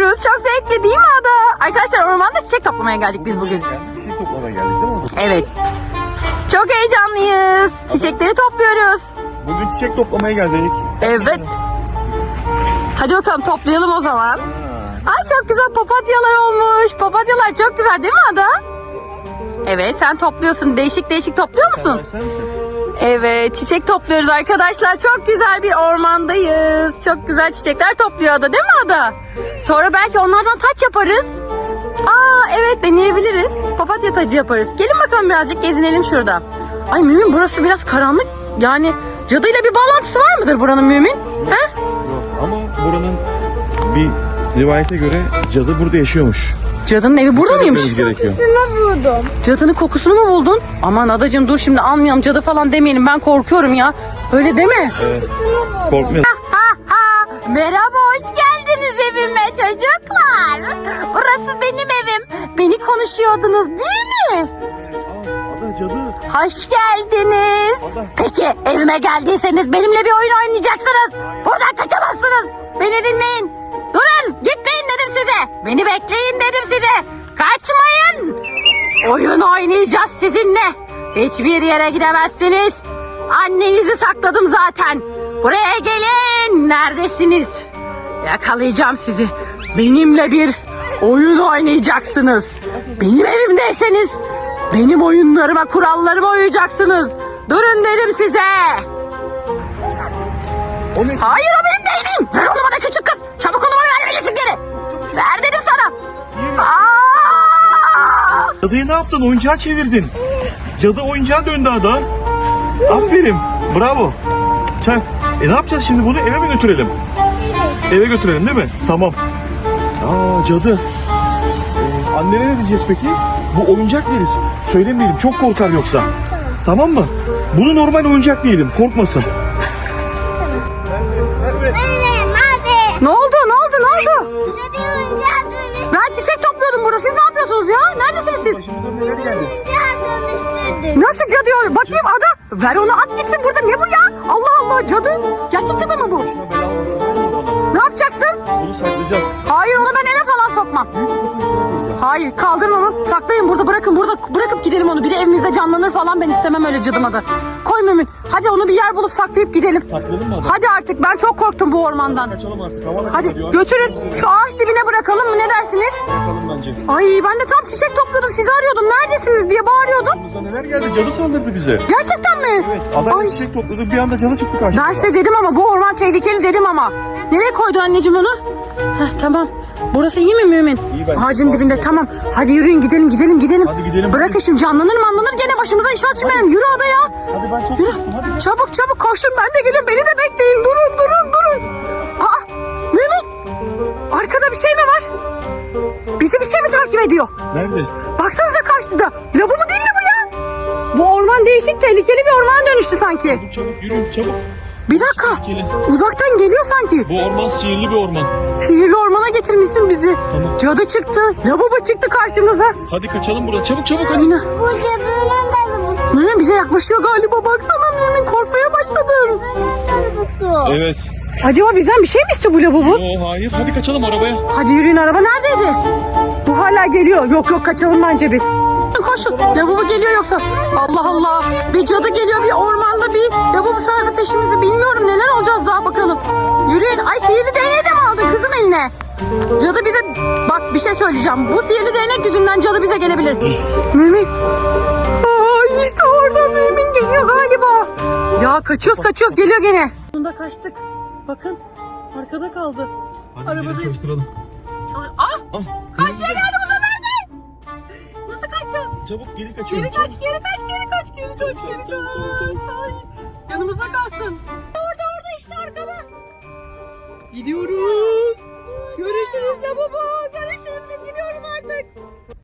topluyoruz. Çok zevkli değil mi Ada? Arkadaşlar ormanda çiçek toplamaya geldik biz bugün. Çiçek toplamaya geldik değil mi? Evet. Çok heyecanlıyız. Çiçekleri topluyoruz. Bugün çiçek toplamaya geldik. Evet. Hadi bakalım toplayalım o zaman. Ay çok güzel papatyalar olmuş. Papatyalar çok güzel değil mi Ada? Evet sen topluyorsun. Değişik değişik topluyor musun? Sen misin? Evet çiçek topluyoruz arkadaşlar. Çok güzel bir ormandayız. Çok güzel çiçekler topluyor Ada değil mi Ada? Sonra belki onlardan taç yaparız. Aa evet deneyebiliriz. Papatya tacı yaparız. Gelin bakalım birazcık gezinelim şurada. Ay Mümin burası biraz karanlık. Yani cadıyla bir bağlantısı var mıdır buranın Mümin? He? Yok ama buranın bir rivayete göre cadı burada yaşıyormuş. Cadının evi burada mıymış? Gitmemiz gerekiyor. buldum. Cadının kokusunu mu buldun? Aman adacığım dur şimdi almayalım cadı falan demeyelim ben korkuyorum ya. Öyle deme. Evet. Korkmayalım. Merhaba hoş geldiniz evime çocuklar. Burası benim evim. Beni konuşuyordunuz değil mi? Ada cadı. Hoş geldiniz. Ada. Peki evime geldiyseniz benimle bir oyun oynayacaksınız. Buradan kaçamazsınız. Beni dinleyin. Durun gitmeyin dedim size. Beni bekleyin dedim size. Kaçmayın. Oyun oynayacağız sizinle. Hiçbir yere gidemezsiniz. Annenizi sakladım zaten. Buraya gelin. Neredesiniz? Yakalayacağım sizi. Benimle bir oyun oynayacaksınız. Benim evimdeyseniz benim oyunlarıma, kurallarıma uyacaksınız. Durun dedim size. O ne? Hayır o benim değilim. Ver onu bana küçük kız. Çabuk onu bana vermelisin geri. Ver dedim sana. Sihir. Aa! Cadıyı ne yaptın? Oyuncağa çevirdin. Cadı oyuncağa döndü Ada. Aferin. Bravo. Çak. Ne yapacağız şimdi bunu? Eve mi götürelim? Eve götürelim değil mi? Tamam. Aa cadı. Annene ne diyeceğiz peki? Bu oyuncak deriz. Söylemeyelim çok korkar yoksa. Tamam mı? Bunu normal oyuncak diyelim. Korkmasın. Benim abi. Ne oldu? Ne oldu? Ne oldu? Cadı oyuncağa dönüştürdü. Ben çiçek topluyordum burada. Siz ne yapıyorsunuz ya? Neredesiniz siz? Başımıza neler geldi? Oyuncağa dönüştürdü. Nasıl cadı ya? Bakayım Ada. Ver onu at gitsin burada. Ne bu ya? Allah Allah cadı. Gerçek cadı mı bu? Başına bela olmasın. Ver bunu bana. Ne yapacaksın? Bunu saklayacağız. Hayır onu ben eve falan sokmam. Büyük bir kutunun içine koyacağım. Hayır kaldırın onu. Saklayın burada bırakın. Burada bırakıp gidelim onu. Bir de evimizde canlanır falan ben istemem öyle cadımadı. Koy Mümin. Hadi onu bir yer bulup saklayıp gidelim. Saklayalım mı Ada? Hadi artık ben çok korktum bu ormandan. Kaçalım artık. Hava da Hadi kararıyor. götürün. Şu ağaç dibine bırakalım mı ne dersiniz? Bakalım bence. Ay ben de tam çiçek topluyordum. Sizi arıyordum. Neredesiniz diye bağırıyordum. Başımıza neler geldi? Cadı saldırdı bize. Gerçekten mi? Evet. Adayla Ay. çiçek topladık. Bir anda cadı çıktı karşımıza. Ben size dedim ama bu orman tehlikeli dedim ama. Nereye koydun anneciğim onu? Heh, tamam. Burası iyi mi Mümin? İyi bence. Ağacın dibinde tamam. Hadi yürüyün gidelim gidelim. Hadi gidelim, Bırakın hadi. şimdi canlanır gene başımıza iş açmayalım. Yürü Ada ya. Hadi ben çok Yürü. sustum. Hadi. Çabuk koşun ben de geliyorum. Beni de bekleyin. Durun. Aa Mümin. Arkada bir şey mi var? Bizi bir şey mi takip ediyor? Nerede? Baksanıza karşıda. Labubu değil mi bu ya? Bu orman değişik tehlikeli bir ormana dönüştü sanki. Çabuk yürü çabuk. Bir dakika. Tehlikeli. Uzaktan geliyor sanki. Bu orman sihirli bir orman. Sihirli ormana getirmişsin bizi. Tamam. Cadı çıktı. Labubu çıktı karşımıza. Hadi kaçalım buradan. Çabuk hadi. Yine. Bu cadının arabası. Mümin bize yaklaşıyor galiba. Baksana Mümin korkmaya başladın. Arabası. Evet. Acaba bizden bir şey mi istiyor bu labubu? Hayır. Hadi kaçalım arabaya. Hadi yürüyün araba neredeydi? Bu hala geliyor. Yok kaçalım bence biz. Koşun. Labubu geliyor yoksa. Allah Allah. Bir cadı geliyor bir ormanda bir labubu sardı peşimizi. Bilmiyorum neler olacağız daha bakalım. Yürüyün. Ay sihirli değneği de mi aldın kızım eline? Cadı bize bak bir şey söyleyeceğim. Bu sihirli değnek yüzünden cadı bize gelebilir. Mümin. Aa, işte orada Mümin geliyor galiba. Ya kaçıyoruz geliyor gene. Sonunda kaçtık. Bakın arkada kaldı. Hadi Arabadayız. gidelim çalıştıralım. Ah! Karşıya geldi bu sefer de. Nasıl kaçacağız? Çabuk geri kaçıyorum. Geri kaç. Ay, yanımızda kalsın. Orada işte arkada. Gidiyoruz. Görüşürüz baba. Görüşürüz biz gidiyoruz artık.